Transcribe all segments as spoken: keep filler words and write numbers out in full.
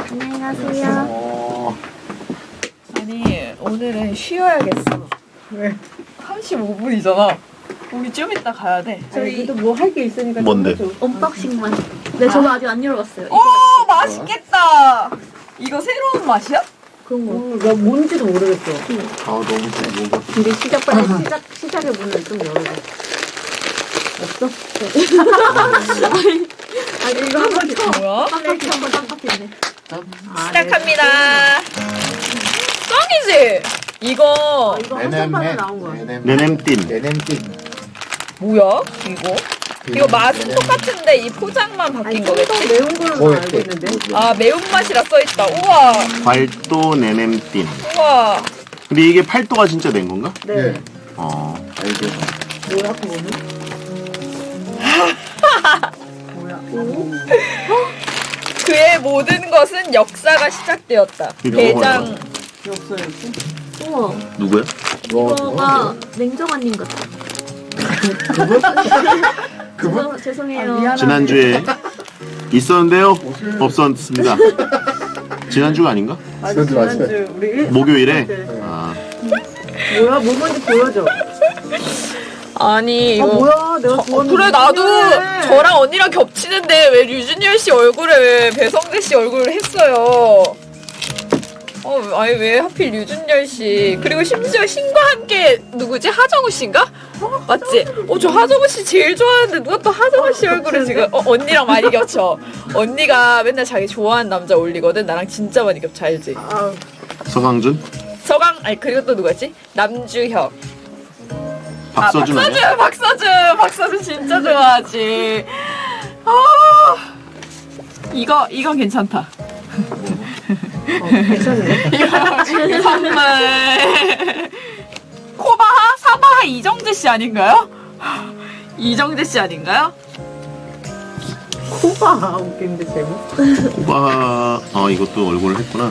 안녕히 가세요. 어... 아니 오늘은 쉬어야겠어. 왜? 삼십오 분이잖아. 우리 좀 이따 가야 돼. 저희도 뭐 할 게 있으니까. 뭔데? 언박싱만. 네, 저도 아직 안 열어봤어요. 오 맛있겠다. 이거 새로운 맛이야? 그런 거. 어, 나 뭔지도 모르겠어. 아 너무 좋아. 우리 시작 빨리 시작 시작의 문을 좀 열어줘. 없어? 아니 이거 한번 켜. 뭐야? 깜빡이 한번 깜빡했네. 시작합니다. 짱이지? 이거 아, 이거 한정판에 나온 거야. 네냄띵. 네냄띵. 뭐야? 이거? 이거 맛은 똑같은데 이 포장만 바뀐 아니 거겠지? 좀 매운 걸로 뭐 알고 있는데. 아 매운맛이라 써있다. 우와 발도 네냄띵. 우와. 근데 이게 팔도가 진짜 낸 건가? 네. 어. 알죠. 뭐야 그거는? 뭐야? 오? 그의 모든 것은 역사가 시작되었다. 이거 대장 역사였지? 우와. 누구야? 이거가 냉정한님 같아. 그분? 죄송, 죄송해요. 아, 지난주에 있었는데요? 없었습니다. 지난주가 아닌가? 맞아, 지난주 우리 일 목요일에? 네. 아. 뭐야? 뭐 뭔지 보여줘. 아니 이거 아 뭐야? 내가 어, 좋아하는 그래 나도 류준열. 저랑 언니랑 겹치는데 왜 류준열 씨 얼굴에 왜 배성재 씨 얼굴을 했어요? 어 아니 왜 하필 류준열 씨 그리고 심지어 신과 함께 누구지 하정우 씨인가? 맞지? 어 저 하정우 씨 제일 좋아하는데 누가 또 하정우 씨 얼굴을 지금 어 언니랑 많이 겹쳐. 언니가 맨날 자기 좋아하는 남자 올리거든. 나랑 진짜 많이 겹쳐 알지? 아, 서강준? 서강 아니 그리고 또 누구지? 남주혁. 박서준 아, 아니야? 박서준, 박서준, 박서준 진짜 좋아하지. 아, 이거 이건 괜찮다. 어, 괜찮네. 이거 선물. 코바하, 사바하 이정재 씨 아닌가요? 이정재 씨 아닌가요? 코가 웃긴데 제목. 오바. 아 이것도 얼굴을 했구나.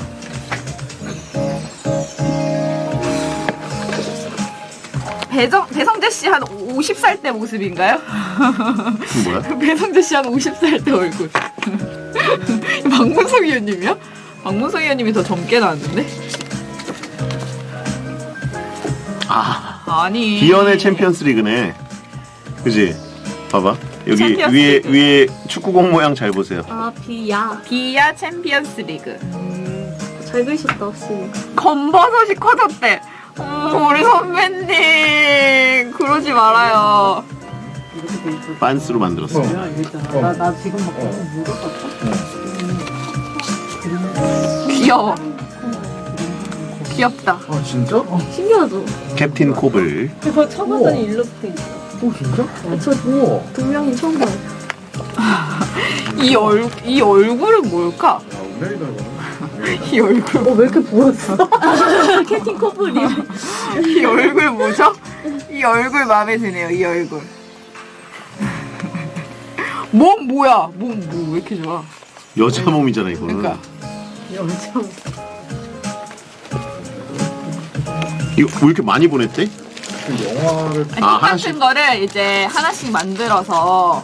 배정 배성재 씨 한 오십 살 때 모습인가요? 뭐야? 배성재 씨 한 오십 살 때 얼굴. 박문석 의원님이요? 박문석 의원님이 더 젊게 나왔는데? 아. 아니. 비연의 챔피언스 리그네. 그지? 봐봐. 여기 챔피언스 위에 리그. 위에 축구공 모양 잘 보세요. 아 비야. 비야 챔피언스 리그. 잘 그리셨다 확실히. 검버섯이 커졌대. 어, 우리 선배님 그러지 말아요. 빤스로 만들었어. 나, 나 지금 막 물어봤어? 귀여워. 귀엽다. 아 진짜? 신기하죠? 캡틴 코블. 그거 쳐봤더니 일러스트 있어. 오 진짜? 저 우와. 두 명이 처음 봐요. 이 얼, 이 얼굴은 뭘까? 야 운명이다 이거. 이 얼굴. 어, 왜 이렇게 부었어? 캡틴 커플이. 이 얼굴 뭐죠? 이 얼굴 마음에 드네요. 이 얼굴. 몸 뭐야? 몸 뭐 왜 이렇게 좋아? 여자 몸이잖아 이거는. 그러니까. 여자. 이거 왜 이렇게 많이 보냈대? 그 영화를 아니, 아, 똑같은 하나씩? 거를 이제 하나씩 만들어서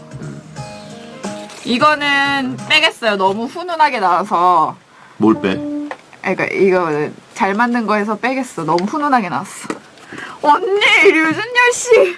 이거는 빼겠어요. 너무 훈훈하게 나와서. 뭘 빼? 그러니까 이거 잘 만든 거에서 빼겠어. 너무 훈훈하게 나왔어. 언니 류준열 씨.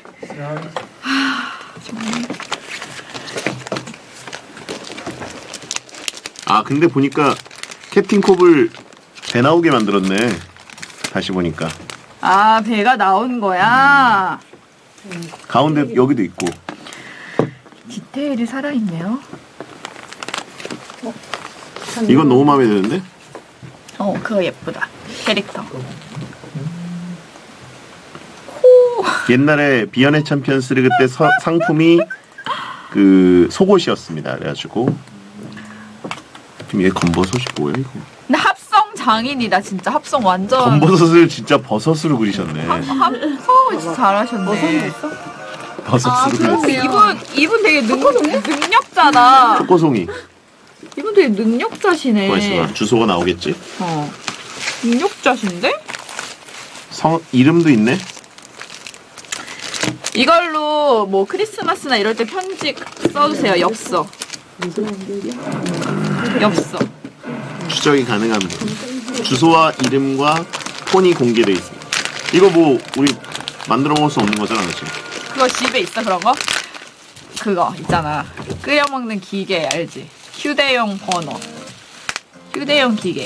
아 근데 보니까 캡틴 코블 배 나오게 만들었네. 다시 보니까 아 배가 나온 거야. 가운데 여기도 있고. 디테일이 살아있네요. 이건 너무 마음에 드는데? 어 그거 예쁘다. 캐릭터. 옛날에 비연의 챔피언스 리그 때 서, 상품이 그 속옷이었습니다. 그래가지고 지금 얘 검버섯이 뭐야 이거? 근데 합성 장인이다 진짜. 합성 완전. 검버섯을 진짜 버섯으로 그리셨네. 합성을 진짜 잘하셨네. 어선이 있어? 버섯으로 아 그렸어. 그런데 이분 이분 되게 능, 능력자다. 초코송이. 이분 되게 능력자시네. 맛있어. 주소가 나오겠지? 어. 능력자신데? 성 이름도 있네. 이걸로 뭐 크리스마스나 이럴 때 편지 써주세요. 엽서. 엽서. 추적이 가능합니다. 주소와 이름과 폰이 공개되어 있습니다. 이거 뭐 우리 만들어 먹을 수 없는 거잖아, 그렇지? 그거 집에 있어 그런 거? 그거 있잖아. 끓여 먹는 기계 알지? 휴대용 버너. 휴대용 기계.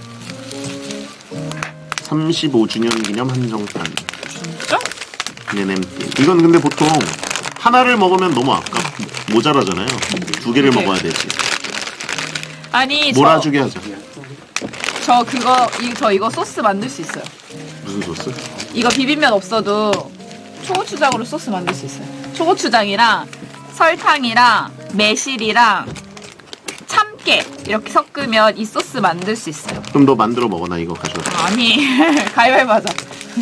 삼십오 주년 기념 한정판. 진짜? 네냄띠. 이건 근데 보통 하나를 먹으면 너무 아까 모자라잖아요. 두 개를 그게. 먹어야 되지. 아니 저, 몰아주게 하자. 저 그거 이, 저 이거 소스 만들 수 있어요. 무슨 소스? 이거 비빔면 없어도 초고추장으로 소스 만들 수 있어요. 초고추장이랑 설탕이랑 매실이랑 참깨 이렇게 섞으면 이 소스 만들 수 있어요. 그럼 너 만들어 먹어. 나 이거 가져와. 아니 가위바위보 하자.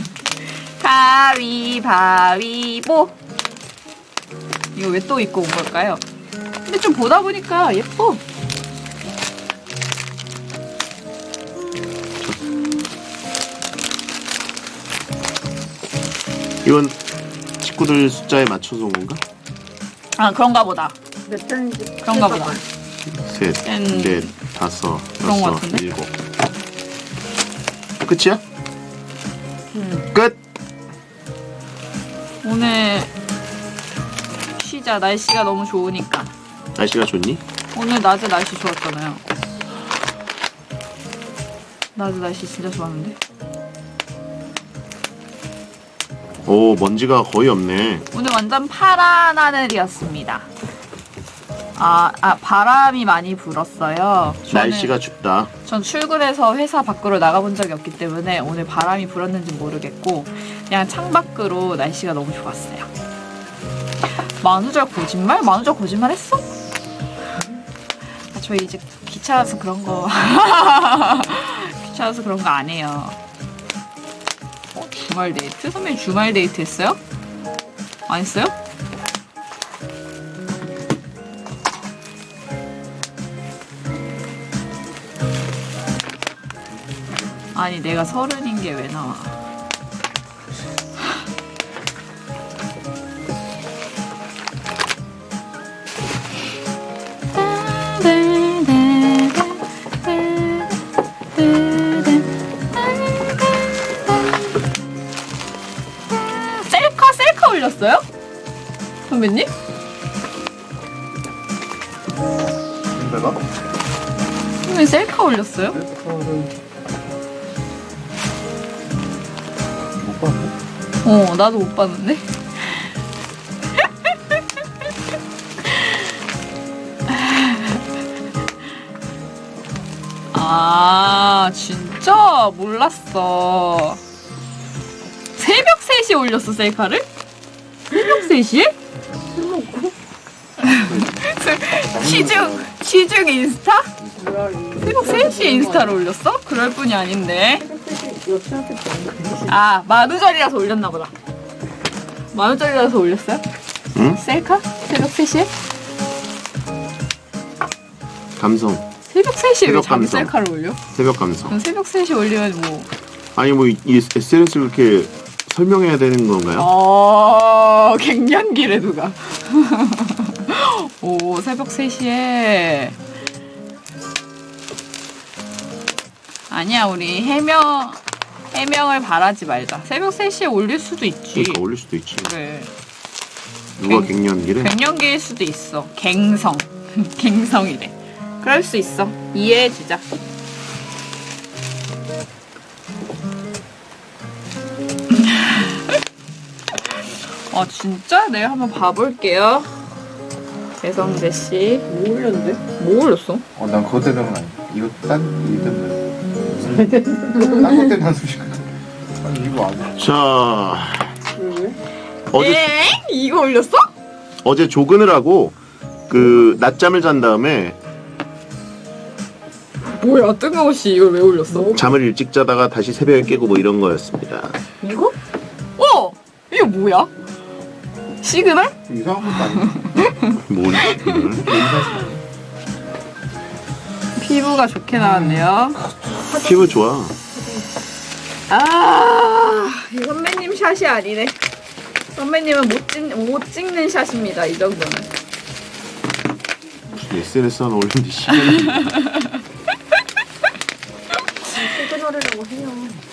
가위바위보. 이거 왜 또 입고 온 걸까요? 근데 좀 보다 보니까 예뻐. 이건 식구들 숫자에 맞춰서 온 건가? 아 그런가 보다. 몇 단지 그런가 보다. 셋, 짠. 넷, 다섯, 그런 거 여섯, 같은데? 일곱. 끝이야? 음. 끝! 오늘 쉬자. 날씨가 너무 좋으니까. 날씨가 좋니? 오늘 낮에 날씨 좋았잖아요. 낮에 날씨 진짜 좋았는데. 오, 먼지가 거의 없네. 오늘 완전 파란 하늘이었습니다. 아, 아 바람이 많이 불었어요. 저는, 날씨가 춥다. 전 출근해서 회사 밖으로 나가본 적이 없기 때문에 오늘 바람이 불었는지 모르겠고 그냥 창밖으로 날씨가 너무 좋았어요. 만우절 거짓말? 만우절 거짓말 했어? 아, 저희 이제 귀찮아서 그런 거 귀찮아서 그런 거 안 해요. 어, 주말 데이트? 선배님 주말 데이트 했어요? 안 했어요? 아니 내가 서른인 게 왜 나와? 셀카 셀카 올렸어요? 선배님? 내가? 선배님 셀카 올렸어요? 셀카를 못 봤네? 어 나도 못 봤는데. 아 진짜 몰랐어. 새벽 세 시에 올렸어 셀카를? 새벽 세 시에? 시중 시중 인스타? 뭐야 이거. 새벽 세 시에 인스타를 올렸어? 그럴 뿐이 아닌데. 여친한테 보는 거. 아 만우절이라서 올렸나 보다. 만우절이라서 올렸어요? 응? 셀카? 새벽 세 시에? 감성. 새벽 세 시에 왜 새벽 자기 감성. 셀카를 올려? 새벽 감성. 그럼 새벽 세 시에 올리면 뭐 아니 뭐 이 에스엔에스를 그렇게 설명해야 되는 건가요? 어, 갱년기래 누가. 오 새벽 세 시에 아니야 우리 해명 해명을 바라지 말자. 새벽 세 시에 올릴 수도 있지. 그러니까 올릴 수도 있지. 그래. 누가 갱- 갱년기를? 갱년기일 수도 있어. 갱성. 갱성이래. 그럴 수 있어. 이해해주자. 아 진짜? 내가 한번 봐볼게요. 배성재 씨. 뭐 올렸는데? 뭐 올렸어? 어, 난 그것 때문은 아니야. 이거 딴, 이거 때문에. 딴것 때문에 한숨 쉬거든. 아니, 이거 아니야. 자, 왜 왜? 어제 엥? 이거 올렸어? 어제 조근을 하고 그 낮잠을 잔 다음에 뭐야 뜬금없이 이걸 왜 올렸어? 잠을 일찍 자다가 다시 새벽에 깨고 뭐 이런 거였습니다. 이거? 어! 이게 뭐야? 시그널? 이상한 것도 아니야. 뭘 지금? 피부가 좋게 나왔네요. 피부 좋아. 아, 이 선배님 샷이 아니네. 선배님은 못, 찍, 못 찍는 샷입니다. 이 정도는. 에스엔에스 하나 올리는데 시간이 원짜리라고 해요.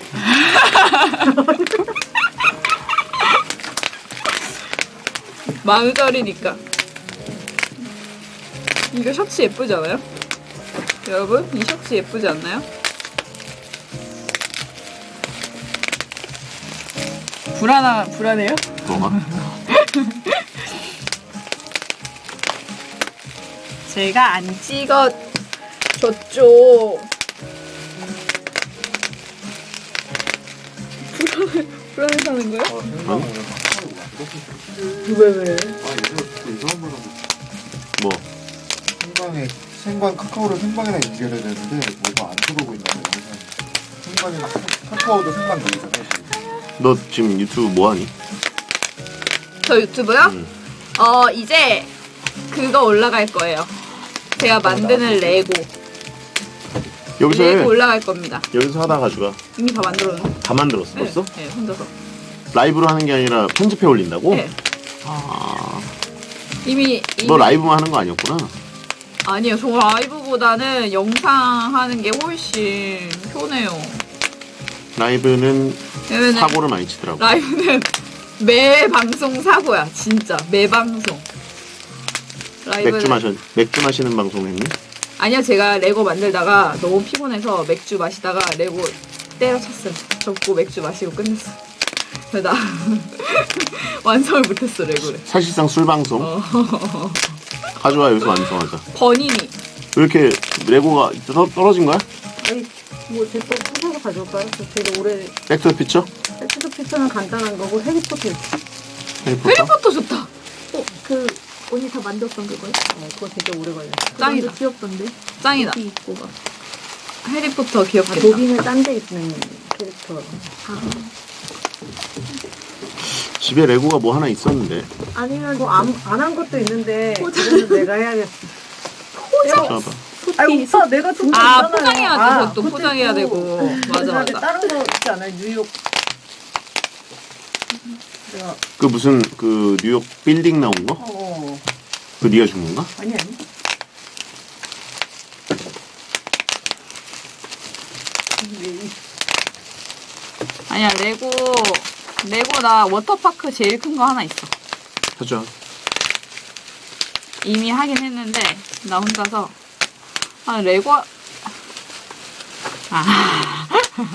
만 원짜리니까. 이거 셔츠 예쁘지 않아요? 여러분, 이 셔츠 예쁘지 않나요? 불안하, 불안해요? 뭐가? 제가 안 찍어줬죠. 불안해, 불안해하는 거야? 아, 생방 오늘 카카오 이렇게 왜 왜? 아, 요즘 이상한 말 하고 뭐? 생방에 생방 카카오를 생방이랑 연결해야 되는데 뭐가 안 들어오고 있나요? 영상. 생방이랑 카- 카카오도 생방 되잖아요. 지금. 너 지금 유튜브 뭐 하니? 저 유튜브요? 응. 어, 이제 그거 올라갈 거예요. 제가 만드는 레고. 여기서 해. 레고 올라갈 겁니다. 여기서 하다 가져가. 이미 다 만들었는데. 다 만들었어 벌써? 네, 혼자서. 라이브로 하는 게 아니라 편집해 올린다고? 네. 아, 이미, 이미 너 라이브만 하는 거 아니었구나. 아니요, 저 라이브보다는 영상 하는 게 훨씬 편해요. 라이브는 왜냐면은 사고를 많이 치더라고. 라이브는 매 방송 사고야, 진짜 매 방송. 라이브는 맥주 마셔 맥주 마시는 방송 했니? 아니요, 제가 레고 만들다가 너무 피곤해서 맥주 마시다가 레고 때려쳤어요. 접고 맥주 마시고 끝냈어. 그래서 나 완성을 못했어, 레고를. 사실상 술 방송. 어. 가져와 여기서 완성하자. 버니니. 왜 이렇게 레고가 떠, 떨어진 거야? 아니 뭐제또 부서서 가져올까요? 저 되게 오래 백투더 피처? 백투더 피처는 간단한 거고 해리포터 있어. 해리포터? 해리포터 좋다. 어, 그 언니 다 만졌던 그거요? 어, 그거 진짜 오래 걸려. 짱이다. 완전 귀엽던데. 짱이다. 티 입고 막. 해리포터 아, 귀엽겠다. 도빙을 딴 데 있는 캐릭터. 집에 레고가 뭐 하나 있었는데. 아니면 뭐안안 한 것도 있는데 그래서 내가 해야겠어. 봐봐. 아니 오빠 내가 진짜 아, 있잖아요. 포장해야 돼. 아, 그것도 그것도 포장해야 있고. 되고. 맞아, 그다음에 맞아. 다른 거 있지 않아요? 뉴욕. 내가 그 무슨 그 뉴욕 빌딩 나온 거? 어 그 네가 준 건가? 아니 아니. 아니야, 레고, 레고 나 워터파크 제일 큰 거 하나 있어. 가져. 이미 하긴 했는데, 나 혼자서. 아, 레고, 아.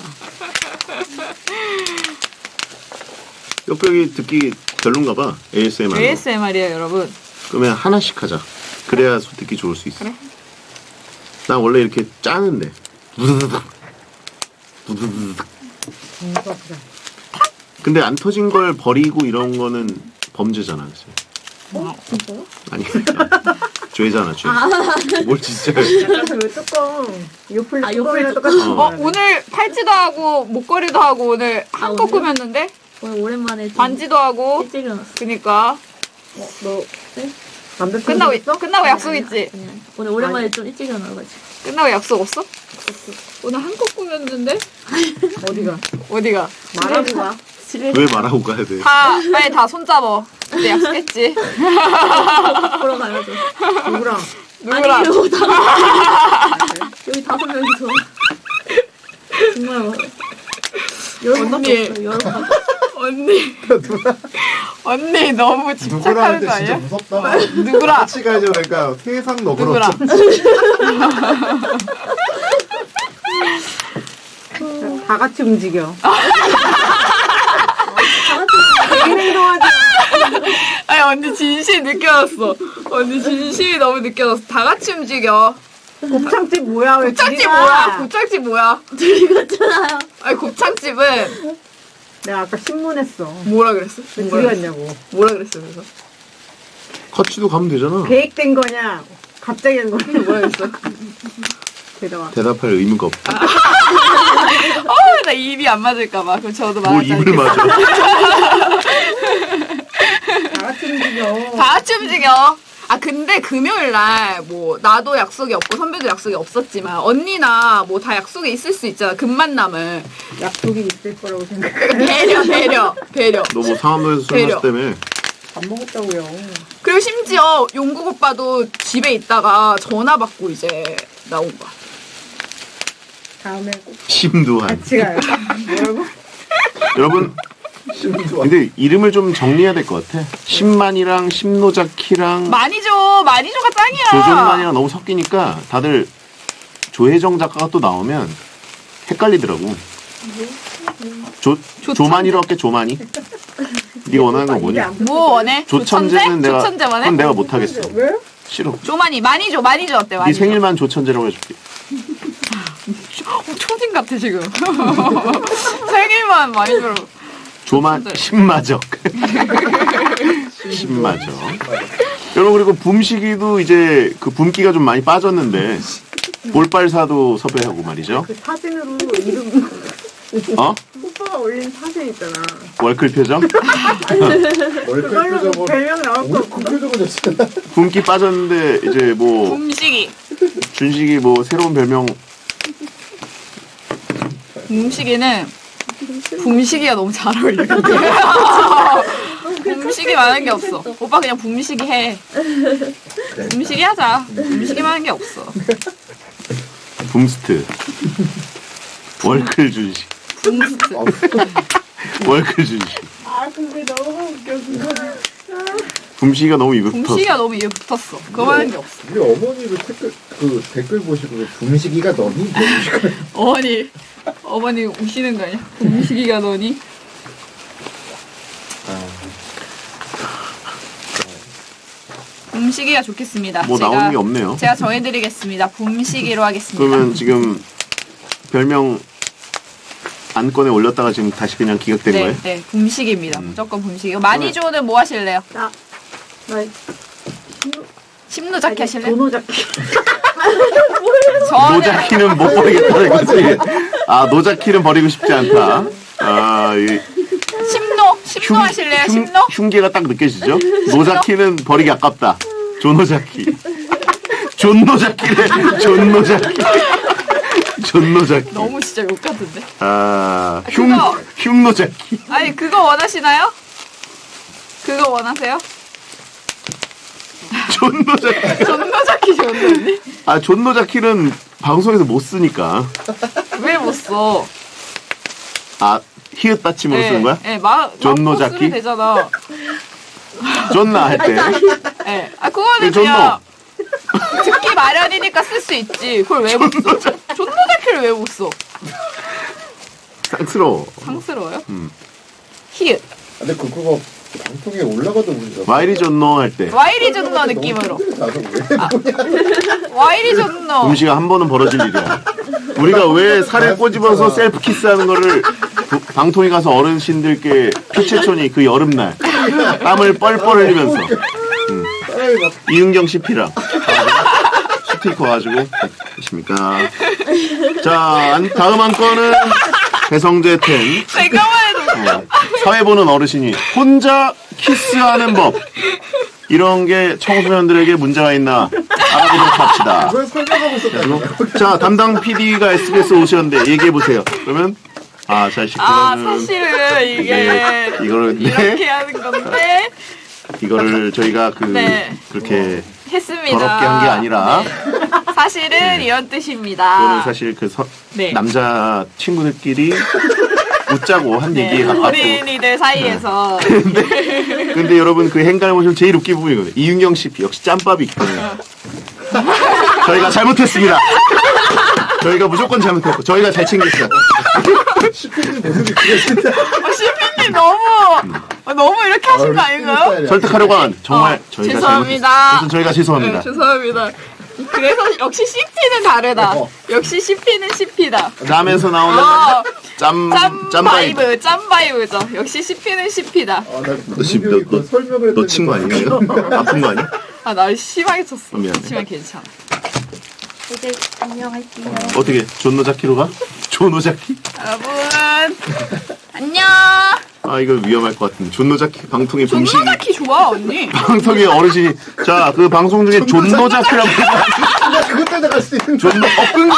옆벽이 듣기 별론가 봐. 에이에스엠알. 에이에스엠알이에요, 여러분. 그러면 하나씩 하자. 그래야 소 듣기 좋을 수 있어. 그래? 난 원래 이렇게 짜는데. 부드드득. 부드드득. 뭔가 그래. 근데 안 터진 걸 버리고 이런 거는 범죄잖아. 그치? 어, 진짜요? 아니. 죄잖아, 죄. 뭘 진짜. 약간 그 뚜껑 요플 아, 뚜껑이랑 요플 똑같은 뚜껑. 거. 어, 오늘 팔찌도 하고, 목걸이도 하고, 오늘 한껏 오늘? 꾸몄는데? 오늘 오랜만에 좀 반지도 하고, 일찍 일어났어. 그니까. 너 네? 남자친구 끝나고, 있어? 끝나고 약속 있지? 아니, 아니. 오늘 오랜만에 좀 일찍 일어나가지고. 끝나고 약속 없어? 오늘 한껏 꾸몄는데? 어디가? 어디가? 말하고 가. 집에 왜 말하고 가야 돼? 다, 빨리 다 손잡어. 그때 약속했지? 보러 가야죠. 누구랑? 누구랑? 아니, 이러고 다 여기 다섯 명이서. 정말 뭐. 열번밖에 언니. 없어요. 여러 번. 언니. 언니 너무 누구랑 집착하는 할때 거 진짜 아니야? 무섭다. 누구랑? 같이 가야죠. 그러니까 세상 너그럽죠. 누구랑? 다 같이 움직여. 개인 행동하지. 아니 언니 진심 느껴졌어. 언니 진심이 너무 느껴졌어. 다 같이 움직여. 곱창집 뭐야? 왜 곱창집 둘이 가? 뭐야? 곱창집 뭐야? 둘이 갔잖아요. 아니 곱창집은 내가 아까 신문했어. 뭐라 그랬어? 왜 뭐라 둘이 그랬어? 갔냐고. 뭐라 그랬어 그래서? 커치도 가면 되잖아. 계획된 거냐? 갑자기 한 거냐? 뭐라 그랬어? 대답. 대답할 의무가 없다. 어, 나 입이 안 맞을까봐. 그럼 저도 뭘 말하지 입을 않겠어. 맞아. 다 같이 움직여. 다 같이 움직여. 아 근데 금요일 날 뭐 나도 약속이 없고 선배도 약속이 없었지만 언니나 뭐 다 약속이 있을 수 있잖아. 금만남은 약속이 있을 거라고 생각해. 배려 배려 배려. 너 뭐 상암동에서 술 배려. 마셨다며. 밥 먹었다고요. 그리고 심지어 용국 오빠도 집에 있다가 전화 받고 이제 나온 거야. 다음에 꼭 심두한. 같이 가요. 뭐라고? 여러분 심두한. 근데 이름을 좀 정리해야 될 것 같아. 신만이랑 심노자키랑 많이죠. 많이죠가 짱이야. 조정만이랑 너무 섞이니까 다들 조혜정 작가가 또 나오면 헷갈리더라고. 조 조천재. 조만이로 할게 조만이. 네가 원하는 건 뭐니? 뭐 원해? 조천재는 내가 조천재만 해? 그건 내가 못 하겠어. 왜? 싫어. 조만이 많이죠. 많이죠 어때? 네 많이죠. 생일만 조천재라고 해줄게. 어, 초딩 같아 지금. 생일만 많이죠. 조만 조천재. 신마적. 신마적. 여러분 그리고 붐식이도 이제 그 붐기가 좀 많이 빠졌는데 볼빨사도 섭외하고 말이죠. 그 사진으로 이름 어? 오빠가 올린 사진 있잖아. 월클 표정? 월클 그걸로 표정은 별명 나올 거 오늘 없고. 그 표정은 됐잖아. 붐기 빠졌는데 이제 뭐 붐식이. 준식이 뭐 새로운 별명 붐식이는 붐식이가 너무 잘 어울려. 붐식이 많은 게 없어. 오빠 그냥 붐식이 해. 붐식이 하자. 붐식이 많은 게 없어. 붐스트 월클 준식 붐스트. 월클 준식 아 근데 너무 웃겨 그거. 붐식이가 너무 입에 붙었어. 붐식이가 너무 입에 붙었어. 그거 많은 게 없어. 우리 어머니도 댓글 그 댓글 보시고 붐식이가 너니? 어머니, 어머니 우시는 거 아니야? 붐식이가 너니? 붐식이가 좋겠습니다. 뭐 제가, 나오는 게 없네요. 제가 정해드리겠습니다. 붐식이로 하겠습니다. 그러면 지금 별명 안건에 올렸다가 지금 다시 그냥 기각된 네, 거예요? 네, 붐식입니다. 음. 무조건 붐식이고 많이 좋은 뭐 하실래요? 나 심노자키 하실래요? 도노자키. 저는 노자키는 못 버리겠다는 거지. 아 노자키는 버리고 싶지 않다. 아 이, 심노, 심노 하실래요? 흉, 심노? 흉계가 딱 느껴지죠? 노자키는 버리기 아깝다. 조노자키. 존노자키래. 존노자키. 존노자키. 너무 진짜 욕 같은데. 아 흉, 그거. 흉노자키. 아니 그거 원하시나요? 그거 원하세요? 존노자키. 존노자키 좋은데? 아 존노자키는 방송에서 못 쓰니까. 왜 못 써? 아 히읗 받침으로 쓰는 거야? 네, 마, 존노자키? 마 쓰면 되잖아. 존나 할 때. 네. 아 그거는 네, 존노. 그냥 듣기 마련이니까 쓸 수 있지. 그걸 왜 못 써? 존노자키를 왜 못 써? 쌍스러워. 상스러워요? 음. 히읗. 근데 그 그거 방송에 올라가도 문제가. 와이리 존노 할 때. 와이리 존노 느낌으로. 나도 왜 와이리 존노. 음식이 한 번은 벌어질 일이야. 우리가 왜 살을 꼬집어서 셀프 키스하는 거를 부- 방통위 가서 어르신들께 피채촌이 그 여름날 땀을 뻘뻘 흘리면서 사람이 막 이은경 씨피랑 스티커 가지고 계십니까? 자 안- 다음 한 건은 배성재 텐 잠깐만 해도 어, 사회 보는 어르신이 혼자 키스하는 법 이런 게 청소년들에게 문제가 있나 알아보도록 합시다. 그걸 설명하고 있었다고. 자 담당 피디가 에스비에스 오셨는데 얘기해 보세요. 그러면 아 자식 아 그거는 사실은 이게 네, 이거를 이렇게 네, 하는 건데 이거를 저희가 그 네. 그렇게 했습니다. 더럽게 한 게 아니라 네. 사실은 이런 뜻입니다. 그거는 사실 그 서, 네. 남자 친구들끼리 웃자고 한 네, 얘기에 가깝고. 어린이들 사이에서 근데 여러분 그 행간을 보시면 제일 웃긴 부분이거든요. 이윤경 씨 역시 짬밥이 있거든요. 저희가 잘못했습니다. 저희가 무조건 잘못했고 저희가 잘 챙겼어요. 시피님 모습이 그게 진짜. 어, 시피님 너무 어, 너무 이렇게 하신 거 아닌가요? 설득하려고 한 정말 어, 저희가 죄송합니다. 잘못했어요. 그래서 저희가 죄송합니다. 네, 죄송합니다. 그래서 역시 씨피는 다르다. 어. 역시 씨피는 씨피다. 짬에서 나오는 어, 짬 짬 짬바이브. 바이브, 짬 바이브죠. 역시 씨피는 씨피다. 아, 나 너 지금 너, 그 너, 설명을 너 친 거 아니야? 이거? 아픈 거 아니야? 아, 나 심하게 쳤어. 어, 미안해. 하지만 괜찮아. 이제 안녕할게요. 어떻게 존노자키로 가? 존노자키? 여러분 안녕. 아 이거 위험할 것 같은데 존노자키 방통의 붐식 존노자키 좋아 언니. 방통의 어르신이 자 그 방송 중에 존노자키라고 나 그것 때문에 갈 수 있는 존노 어,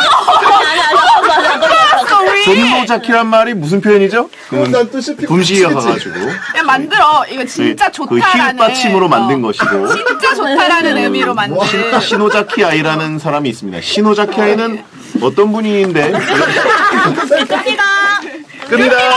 알았어 우리. 존노자키란 말이 무슨 표현이죠? 그러면 난또 시피 붐식이가 가가지고 그냥 만들어. 이거 진짜 그 히읗 좋다라는. 받침으로 만든 어, 것이고 진짜 좋다라는 의미로 만든. 시노자키 아이라는 사람이 있습니다. 시노자키 아이는 어떤 분인데? 끝입니다. 끝니다.